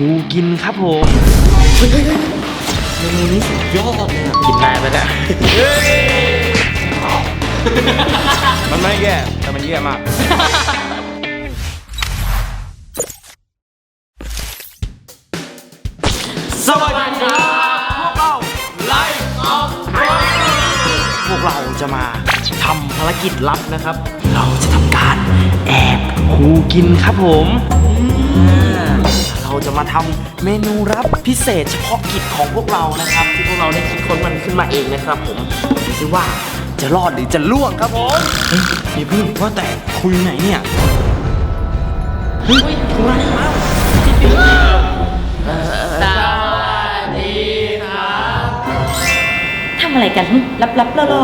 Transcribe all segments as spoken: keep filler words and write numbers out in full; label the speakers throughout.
Speaker 1: คูกินครับผมเมนูนี้สุดยอดเลยกินนานไปแล้ว
Speaker 2: มันไม่แย่แต่มันแย่มาก
Speaker 1: สวัสดีครับพวกเราไลฟ์ออฟพวกเราจะมาทำภารกิจลับนะครับเราจะทำการแอบคูกินครับผมเราจะมาทำเมนูลับพิเศษเฉพาะกิจของพวกเรานะครับที่พวกเราได้คิดค้นมันขึ้นมาเองนะครับผมดูซิว่าจะรอดหรือจะล่วงครับผมเฮ้ยพี่พึ่งว่าแต่คุยไหนเนี่ยเฮ้ยคุยอะไรมา
Speaker 3: สวัสดีครับ
Speaker 4: ทำอะไรกันลับๆล่อ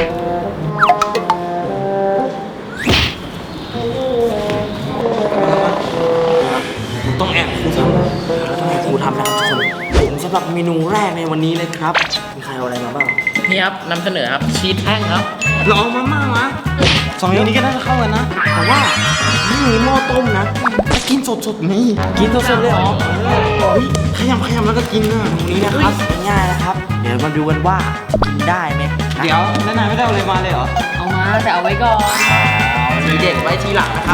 Speaker 1: ๆต้องแอบครูทำเราต้องแอบครูทำนะครับทุกคนผมสำหรับเมนูแรกในวันนี้เลยครับมีใครเอาอะไรมาบ้าง
Speaker 3: นี่ครับนำเสนอครับชีสแท่งครับ
Speaker 1: เราเอามาม่ามาสองอย่างนี้ก็น่าจะเข้ากันนะแต่ว่าไม่มีหม้อต้มนะจะกินสดๆนี่กินสดๆเลยเหรอเฮ้ยขยำขยำแล้วก็กินนะตรงนี้นะครับง่ายๆนะครับเดี๋ยวมาดูกันว่ากินได้ไหมเดี๋ยวนั่นนายไม่ได้เอาอะไรมาเลยเหรอ
Speaker 3: เอามาแต่เอาไว้ก่อน
Speaker 1: ทีเด็ดไว้ทีหลังนะครับ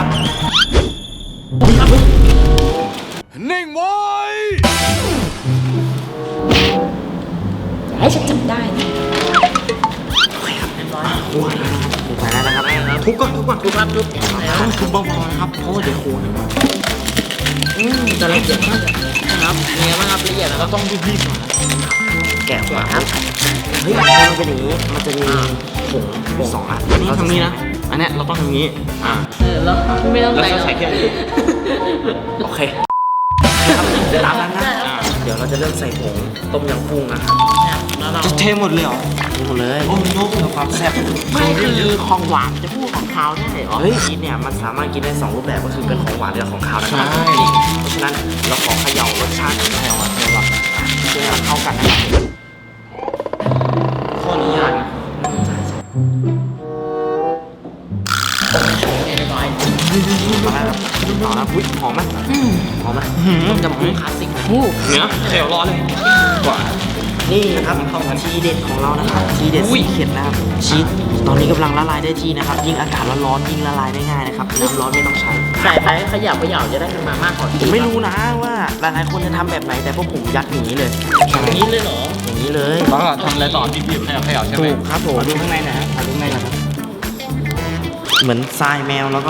Speaker 2: นิ่งไว้
Speaker 4: ให้ฉันจำได้นะ
Speaker 1: โอเคครับเรียบร้อยหัวแล้วนะครับหัวแล้วนะครับทุบก่อนทุบก่อน
Speaker 3: ทุบครับทุบ
Speaker 1: ต้องทุบเบาๆนะครับเพราะว่าเดี๋ยวโคนมา
Speaker 3: อืมจะละเอียดมากนะครับเนื้อมากครับละเอียดแล้วก็
Speaker 1: ต้องรีบๆหน่อยแกะหัวครับเฮ้ยมันเป็นอย่างนี้มันจะมีผงผงสองอันอันนี้ทำนี้นะอันเนี้ยเราต้องทำนี้อ่า
Speaker 3: เออแล้วไม่ต้อง
Speaker 1: แล้ว
Speaker 3: ใส่
Speaker 1: ก็ใส่แค่นี้โอเคครับตามนั้นนะเดี๋ยวเราจะเริ่มใส่ผงต้มยำกุ้งนะครับ
Speaker 3: แล้วเรา
Speaker 1: จะเทหมดเลยเหรอเทหมดเลยโอ้โหเพื่อความแซ่บ
Speaker 3: ไม่คือของหวานจะพูดของคาวได้เหรอ
Speaker 1: เฮ้ยชีสเนี่ยมันสามารถกินได้สองรูปแบบก็คือเป็นของหวานและของคาวนะครับเพราะฉะนั้นเราขอเขย่ารสชาติของเราอ่ะให้แบบเพื่อเข้ากันนะครับข้อนี้ยากนะใช่ใช่
Speaker 3: เรียบร้อย
Speaker 1: มาแล้วครับต่อแล้วอุ้ยหอมไหมหอมไหม
Speaker 3: ต้มยำกุ้งคลาสสิกนะ
Speaker 1: เนื้อเขียวร้อนเลยกว่านี่นะครับทีเด็ดของเรานะครับทีเด็ดสีเขียดนะครับชีสตอนนี้กำลังละลายได้ที่นะครับยิ่งอากาศร้อนๆยิ่งละลายได้ง่ายนะครับน้ำร้อนไม่ต้องใช้
Speaker 3: ใส่ไปขยับขยับจะได้มามากกว่า
Speaker 1: ผมไม่รู้นะว่าหลายๆคนจะทำแบบไหนแต่พวกผมยัดอย่างนี้เลย
Speaker 3: อย่างนี้เลยเหรอ
Speaker 1: อย่างนี้เลย
Speaker 2: แล้วก็ทำอะไรต่อบีบๆให้เอาให้เอาใช่ไหม
Speaker 1: ถูกครับผมดูข้างในนะฮะดูข้างในนะครับเหมือนทรายแมวแล้วก็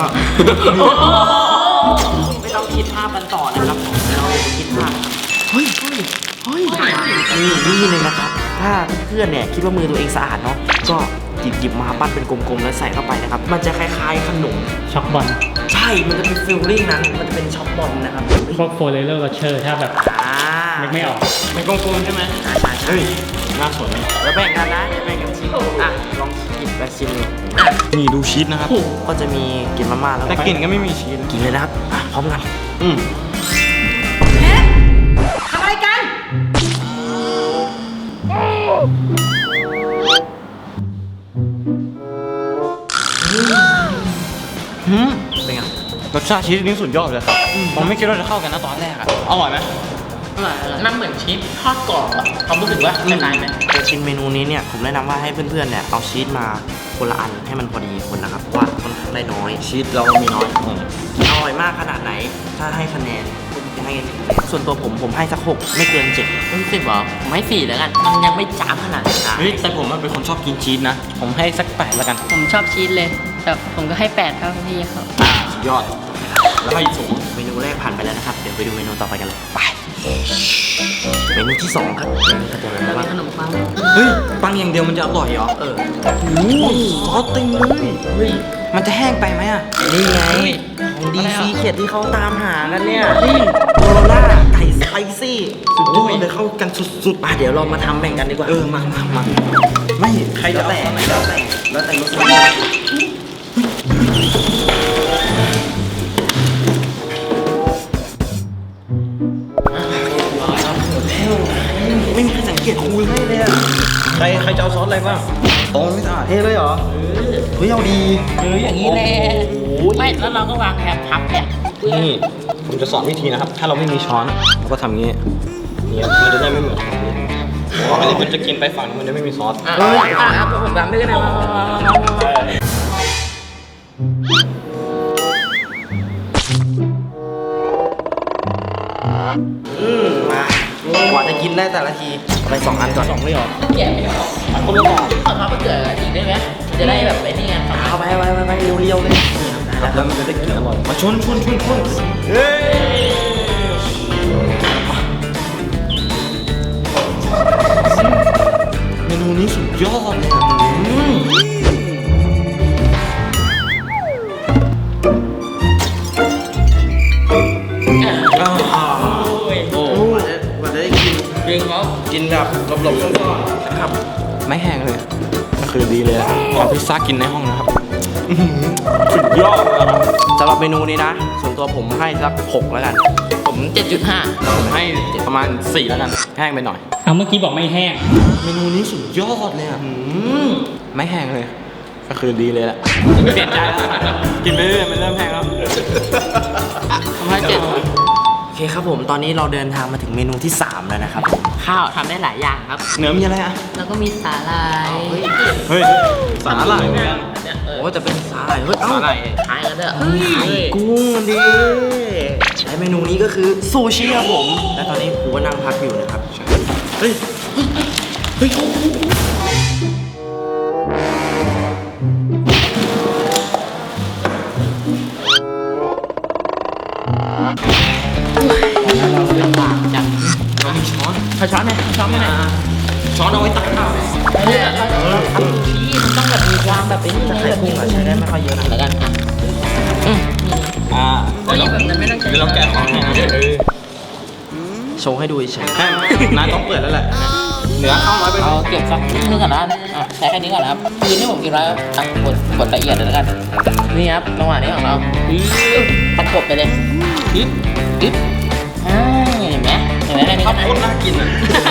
Speaker 1: ไม่ต้องคิดภาพมันต่อนะครับผมเราจะคิดภาพเฮ้ยเฮ้ยเฮ้ยนี่นี่เลยนะครับถ้าเพื่อนเนี่ยคิดว่ามือตัวเองสะอาดเนาะก็หยิบหยิบมาปั้นเป็นกลมๆแล้วใส่เข้าไปนะครับมันจะคล้ายๆขนม
Speaker 5: ช็อกบอล
Speaker 1: ใช่มันจะเป็นฟิลลิ่งนั้นมันจะเป็นช็อกบอลนะครับ
Speaker 5: พวกโฟเลอร์โรเชอร์ถ้าแบบ
Speaker 1: อ่า
Speaker 5: นึกไม่ออก
Speaker 1: เป็นกลมๆใช่ไหมใช่ใช่ใช่น่าสนแล้วแบ่งกันนะแบ่งกันชิมอ่ะลองหยิบไปชิมดูอ่ะ
Speaker 2: นี่ดูชีสนะครับ
Speaker 1: ก็จะมีกลิ่นมาม่าแล้ว
Speaker 2: แต่กลิ่นก็ไม่มีชีส
Speaker 1: กินเลยนะครับอ่ะพร้อมกันอืม
Speaker 4: ทำอะไรกัน
Speaker 1: หืมเป็นไง
Speaker 2: รสชาติชีสนี่สุดยอดเลยครับผมไม่คิดว่าจะเข้ากันนะตอนแรกอะอร่อยไหม
Speaker 3: น้ำเหมือนชีสทอดกรอบอะความรู้สึกว่าคล้ายๆไหม
Speaker 1: จะชิมเมนูนี้เนี่ยผมแนะนำว่าให้เพื่อนๆเนี่ยเอาชีสมาคนละอันให้มันพอดีคนนะครับเพราะว่าค่อนข้างได้น้อย
Speaker 2: ชีสเรามีน้อย
Speaker 1: อร่อยมากขนาดไหนถ้าให้คะแนนผมจะให้กี่คะแนนส่วนตัวผมผมให้สักหกไม่เกินเจ็ด
Speaker 3: รู้สึกเหรอผมให้สี่แล้วกัน มันยังไม่จ้าบขนาดนั้น
Speaker 2: เฮ้ยแต่ผมเป็นคนชอบกินชีสนะ ผมให้สักแปดแล้วกัน
Speaker 6: ผมชอบชีสเลย แต่ผมก็ให้แปดเท่าพี่เขา
Speaker 2: อ่าสุดยอด แล้วให้สูง
Speaker 1: เมนูแรกผ่านไปแล้วนะครับเดี๋ยวไปดูเมนูต่อไปกันเลยไปเมนูที่สองครับก็จะเป็น
Speaker 3: แล้ว
Speaker 1: ว่า
Speaker 3: มีขนมปัง
Speaker 2: เฮ้ยปังอย่างเดียวมันจะอร่อยเหรอ
Speaker 1: เออโอ้โหซอสเต็มเลยเฮ้ยมันจะแห้งไปไหมอ่ะนี่ไงของดีซีเขียดที่เขาตามหากันเนี่ยนี่โคโรล่าไก่สไปซี่สุดยอดเลยเข้ากันสุดๆมาเดี๋ยวเรามาทำแบ่งกันดีกว่าเออมามามาไม่ใครแล้วแต่แล้วแต่แล้วแต่รสชาติไม่มีใครสังเกตคุยให้เลยอ่ะ
Speaker 2: ใครใครจะเอาซอสอะไรบ้างตรงไม่สะอาดเทเลยเหรอ
Speaker 1: เฮ้ยเอาดี
Speaker 3: เอออย่างนี้แหละไม่แล้วเราก็วางแคปพับแคป
Speaker 2: นี่ผมจะสอนวิธีนะครับ ถ้าเราไม่มีช้อนเราก็ทำงี้นี่ครับมันจะได้ไม่เหมือนของนี้เพราะอันนี้มันจะกินไปฝั่งนึงมันจะไม่มีซอส
Speaker 3: อ่ะอ่ะอ่ะผมทำได้ก็ได้มามามามามา
Speaker 1: อืมมากว่าจะกินได้แต่ละทีเอาไปสองอันก่อน
Speaker 2: สองไม่หรอ
Speaker 3: แกะไม่ออก
Speaker 2: อันคนละสอง
Speaker 3: เอามาเผื่ออีกได้ไหมจะได้แบบไอ้นี่ไง
Speaker 1: เอาไปไปไปไปเรียวๆเลย
Speaker 2: แล้วมันจะได้กินอร่อย
Speaker 1: มาชนชนชนชน
Speaker 2: เฮ้ย
Speaker 1: เมนูนี้สุดยอดเลยอะอืมอ่า
Speaker 3: โอ้ย
Speaker 1: โอ้กว่าจะได้กิน
Speaker 3: จริงครับ
Speaker 1: กินแบบหลบๆซ่อนๆนะครับ ไม่แห้งเลย
Speaker 2: คือดีเลยเอาพิซซ่ากินในห้องนะครับสุดยอดเลยครับ
Speaker 1: สำหรับเมนูนี้นะ ส่วนตัวผมให้สักหกแล้วกัน
Speaker 3: ผมเจ็ดจุดห้า
Speaker 2: ผมให้ประมาณสี่แล้วกันแห้งไปหน่อย
Speaker 5: เอาเมื่อกี้บอกไม่แห้ง
Speaker 1: เมนูนี้สุดยอดเลยอ่ะอืมไม่แห้งเลย
Speaker 2: ก็คือดีเลยแหละเปลี่ยนใจแล้วกินไปเรื่อยๆมันเริ่มแห้งแล้ว
Speaker 3: ผมให้เจ็ด
Speaker 1: โอเคครับผมตอนนี้เราเดินทางมาถึงเมนูที่สามแล้วนะครับ
Speaker 3: ข้าวทำได้หลายอย่างครับ
Speaker 2: เนื้อมีอะไรอ่ะ
Speaker 6: แล้วก็มีสาลาย
Speaker 2: เฮ้ยสาหร่ายเหมือนกัน
Speaker 3: เนี่ยเออ
Speaker 1: โอ้จะเป็นสาหร่ายเฮ้ยเอ้า
Speaker 2: สาหร่าย
Speaker 3: ขายกันเด้อเฮ้ย
Speaker 1: กุ้งดิและเมนูนี้ก็คือซูชิครับผม และตอนนี้ผมก็นั่งพักอยู่นะครับเฮ้ยเฮ้ยเรามีช้อน
Speaker 3: เอาช้อนไหมช้อนไหม
Speaker 1: อ่าช้อนเอาไว้ตักข้าว
Speaker 3: เนี่ยเราเราทำซูชิมันต้องแบบมีความแบบเป็นนี่
Speaker 1: แต่
Speaker 3: นะ
Speaker 1: ไข่
Speaker 3: แบบ
Speaker 1: กุ้งอะใช้ได้ไม่ค่อยเยอะนะ
Speaker 3: แล้วกันอ่ะ
Speaker 2: อ่าเดี๋ยวเรา
Speaker 6: แบบนั้นไม่ต้องใช้
Speaker 2: เดี๋ยวเราแกะของให้นะเออ
Speaker 1: โชว์ให้ดูเฉย
Speaker 2: แห้งนายต้องเปิดแล้วแหละเนื้อข้าวน้อยไป
Speaker 3: เอาเก็บสักนิดนึงก่อนนะอ่ะใช้แค่นี้ก่อนนะครับคือที่ผมกินแล้วอ่ะกดกดละเอียดเลยแล้วกันนี่ครับจังหวะนี้ของเราประกบไปเลยอึ๊บอึ๊บอ่าเห็นไหมเห็นไหมแค่นี้
Speaker 2: ข้า
Speaker 3: ก็
Speaker 2: ว
Speaker 3: ได้
Speaker 2: โพดน่ากินอ่ะ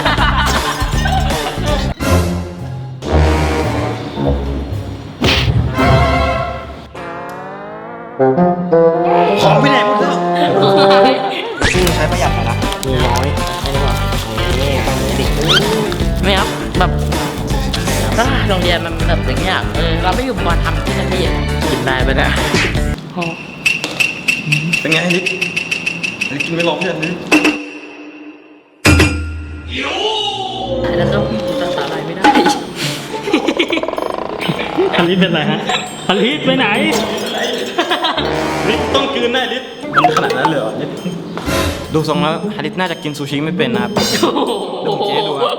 Speaker 1: หอมไปไหนหมดแล้วกุ้งใช้ประหยัดหน่อยนะมีน้อย
Speaker 3: ไม่ได้ว่า
Speaker 1: นี่ต้องมีดิ
Speaker 3: ไม่ครับแบบถ้าโรงเรียนมันแบบอย่างเงี้ยเออเราไม่อยู่มาทำที่นั่นที่กินได้ไปนะ
Speaker 2: เป็นไงลิศลิศกินไม่ลงเพื่อนลิศ
Speaker 3: แล้วก็ตัดสาลายไม่ได้
Speaker 5: อลิสเป็นไรฮะอลิสไปไหน
Speaker 2: ลิศต้องกลืนแน่ลิศมันขนาดนั้นเลยเหรอลิศดูทรงแล้วฮาริสน่าจะกินซูชิไม่เป็นนะครับเดี๋ยวผมกินให้ดูครับ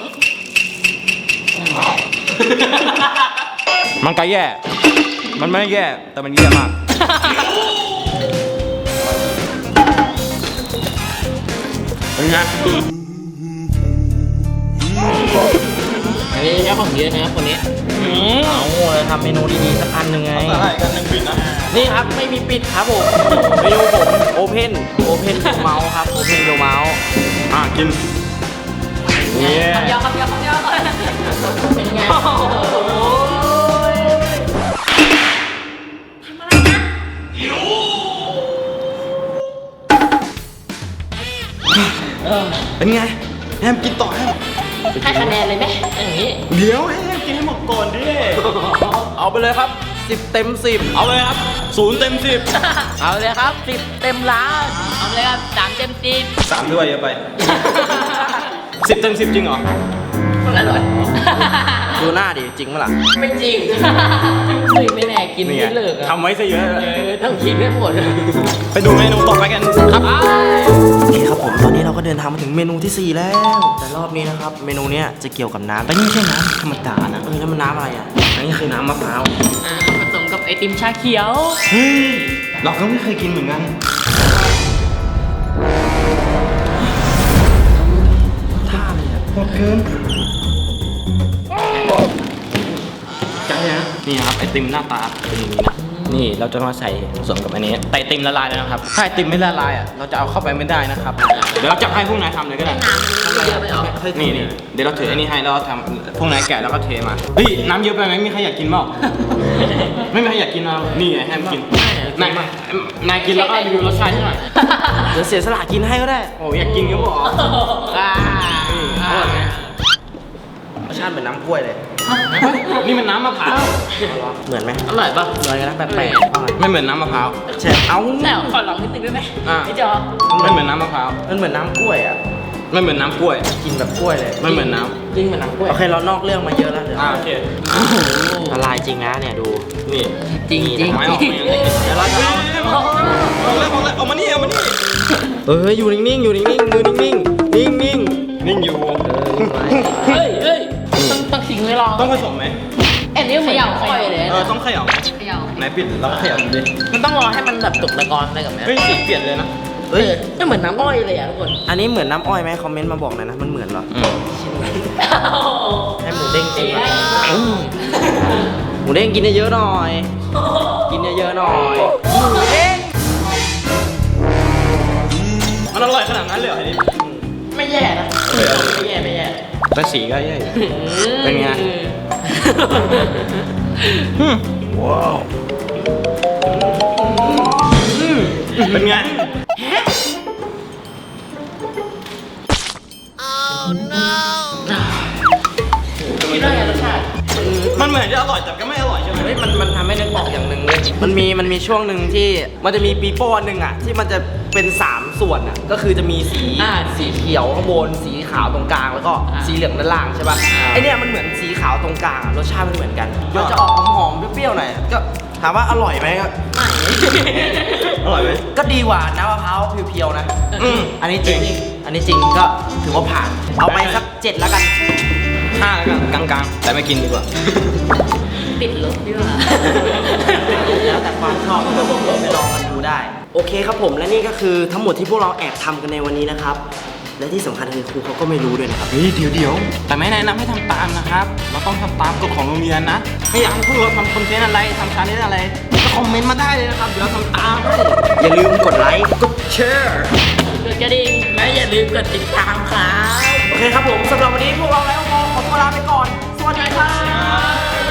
Speaker 2: มันก็แย่ มันไม่ได้แย่ แต่มันแย่มาก เป็นไง
Speaker 3: อันนี้ใช้ของเยอะนะครับคนนี้
Speaker 1: เอาเลยทำเมนูดีๆสักอันหนึ่งไง
Speaker 2: อะไรกันยังปิดนะ
Speaker 1: นี่ครับไม่มีปิดครับผมเมนูผมโอเพนโอเพนเมาส์ครับโอเพนเมาส์
Speaker 2: อ่ะกินเนี่ย
Speaker 6: คำเดียวคำเดียวคำเดียว
Speaker 3: เป็นไง
Speaker 2: เป็นไงแฮมกินต่อแฮม
Speaker 3: ให้คะแนนเลยไหมอย่างนี้
Speaker 2: เดี๋ยวให้แฮมกินให้หมดก่อนดิ
Speaker 1: เอาไปเลยครับสิบเต็มสิบ
Speaker 2: เอาเลยครับศูนย์เต็มสิบ
Speaker 3: เอาเลยครับสิบเต็มล้านเอาเลยครับสามเต็มสิบ
Speaker 2: สามด้วยเยอะไปสิบเต็มสิบจริงเหรอ
Speaker 3: อร่อย
Speaker 1: ดูหน้าดิจริงปะล่ะ
Speaker 3: ไม่จริงเฮ้ยไม่แน่กิน
Speaker 2: นี่ไง
Speaker 3: ไม่เลิกอะ
Speaker 2: ทำไว้ซะเยอะ
Speaker 3: เออต้องกินไม่หมด
Speaker 2: ไปดูเมนูต่อไปกันครับ
Speaker 1: โอเคครับผมตอนนี้เราก็เดินทางมาถึงเมนูที่สี่แล้ว แต่รอบนี้นะครับเมนูเนี้ยจะเกี่ยวกับน้ำแต่นี่ไม่ใช่น้ำธรรมดานะเออแล้วมันน้ำอะไรอ่ะอันนี้คือน้ำมะพร้าว
Speaker 3: อ่าผสมกับไอติมชาเขียว
Speaker 2: เฮ้ยเราก็ไม่เคยกินเหมือนกัน
Speaker 1: ท่าเลยอ่ะ
Speaker 2: หมดเกินใจนะนี่นะครับไอติมหน้าตาเป็นอย่างนี้นะนี่เราจะมาใส่ผสมกับอันนี้แต่ไอติมละลายแล้วนะครับถ้าไอติมไม่ละลายอ่ะเราจะเอาเข้าไปไม่ได้นะครับเดี๋ยวเราจะให้พวกนายทำเลยก็ได้
Speaker 3: น้ำมันเยอะไปเหรอ
Speaker 2: นี่นี่เดี๋ยวเราถือไอ้นี่ให้แล้วเราทำพวกนายแกะแล้วก็เทมาเฮ้ยน้ำเยอะไปไหมมีใครอยากกินเปล่าไม่มีใครอยากกินเอานี่ไงให้มันกินนายนายกินแล้วก็รีวิวรสชาติให้หน่อย
Speaker 1: เดี๋ยวเสียสละกินให้ก็ได้
Speaker 2: โอ้อยากกินก็บอก
Speaker 3: อ่าอร่อยไหม
Speaker 1: รสชาติเหมือนน้ำกล้วยเลย
Speaker 2: นี่มันน้ำมะพร้าว
Speaker 1: เหมือนไหม
Speaker 3: อร่อยป่ะ
Speaker 1: เหมือนกันนะแปลกๆเอาไง
Speaker 2: ไม่เหมือนน้ำมะพร้าว
Speaker 1: แชร์เอา
Speaker 3: แต่ขอลองนิดนึงได้ไหม
Speaker 2: อ่า
Speaker 3: ไอ้จอ
Speaker 2: ไม่เหมือนน้ำมะพร้าว
Speaker 1: มันเหมือนน้ำกล้วยอ่ะ
Speaker 2: ไม่เหมือนน้ำกล้วย
Speaker 1: กินแบบกล้วยเลย
Speaker 2: ไม่เหมือนน้
Speaker 3: จริงเหมือนน้ำกล้วย
Speaker 1: โอเคเรานอกเรื่องมาเยอะแล้วเดี๋ยว
Speaker 2: ำอ่าโอเค
Speaker 1: ละลายจริงนะเนี่ยดู
Speaker 2: นี่
Speaker 3: จริงจริง
Speaker 2: ไม่ออกไม่ออก
Speaker 1: เดี๋ยวเราจะเอา
Speaker 2: เอาเลยเอาเลยเอามานี่เอามานี่
Speaker 1: เอออยู่นิ่งๆอยู่นิ่งๆมือนิ่งๆนิ่งๆ
Speaker 2: นิ่งอยู่
Speaker 3: เฮ้ยเฮ้ยต้องต้องทิ้งไว้ลอง
Speaker 2: ต้องผสมไหม
Speaker 3: อันนี้เหมือนน้ำกล้วยเลย
Speaker 2: เออต้องเขย่าไหม
Speaker 6: เขย่า
Speaker 2: ไหนปิดแล้วเขย่าดูดิ
Speaker 3: มันต้องรอให้มันแบบตกตะกอนอะไรกับแม่
Speaker 2: เฮ้ยสีเปลี่ยนเลยนะ
Speaker 1: เฮ้ย
Speaker 3: ไม่เหมือนน้ำอ้อยเลยอ่ะทุกคน
Speaker 1: อันนี้เหมือนน้ำอ้อยไหมคอมเมนต์มาบอกหน่อยนะมันเหมือนเหรอ
Speaker 2: อืม
Speaker 1: ให้หมูเด้งกินหน่อยหมูเด้งกินเยอะๆหน่อย กินเยอะๆหน่อยหมูเด้ง
Speaker 2: มันอร่อยขนาดนั้นเลยเหรอไอ้นี่
Speaker 3: ไม่แย่นะไม่แย่ไม่แย่
Speaker 2: แต่สีก็แย่อยู่ เป็นไง ว้าวเป็นไง
Speaker 3: คิดว่าไงรสชาติ
Speaker 2: มันเหมือนจะอร่อยแต่ก็ไม่อร่อยใช่ไหม
Speaker 1: เฮ้ยมันมันทำให้นึกออกอย่างหนึ่งเลยมันมีมันมีช่วงหนึ่งที่มันจะมีปีโป้อันหนึ่งอ่ะที่มันจะเป็นสามส่วนอ่ะก็คือจะมีสี
Speaker 3: อ่า
Speaker 1: สีเขียวข้างบนสีขาวตรงกลางแล้วก็
Speaker 3: อ่า
Speaker 1: สีเหลืองด้านล่างใช่ป่ะ
Speaker 3: อ่า
Speaker 1: ไอเนี้ยมันเหมือนสีขาวตรงกลางอะรสชาติมันเหมือนกันมันจะออกหอมๆเปรี้ยวๆหน่อยก็ถามว่าอร่อยไหมก็
Speaker 2: อร่อยไหม
Speaker 1: ก็ดีกว่าน้ำมะพร้าวเพียวๆนะ
Speaker 2: อืม
Speaker 1: อันนี้จริง อันนี้จริงก็ถือว่าผ่าน เอาไปสักเจ็ดแล้วกัน
Speaker 2: ห้าแล้วกันกลางๆ แต่ไม่กินดีกว่า
Speaker 6: ติดลบดีกว่า
Speaker 1: แล้วแต่ความชอบไปลองกันดูได้ โอเคครับผมและนี่ก็คือทั้งหมดที่พวกเราแอบทำกันในวันนี้นะครับ และที่สำคัญคือครูเขาก็ไม่รู้ด้วยนะครับ
Speaker 2: เฮ้ยเดี๋ยวเดี๋ยวแต่ไม่แนะนำให้ทำตามนะครับ เราต้องทำตามกฎของโรงเรียนนะ ไม่อยากให้พวกเราทำคอนเทนต์อะไรทำชาเลนจ์อะไรก็คอมเมนต์มาได้เลยนะครับ เดี๋ยวเราทำตามให้
Speaker 1: อย่าลืมกดไลค์ กดแชร์
Speaker 3: กดกระดิ่งและอย่าลืมกดติดตามครับ
Speaker 1: โอเคครับผมสำหรับวันนี้พวกเราแล้วก็ขอตัวลาไปก่อน สวัสดีครับ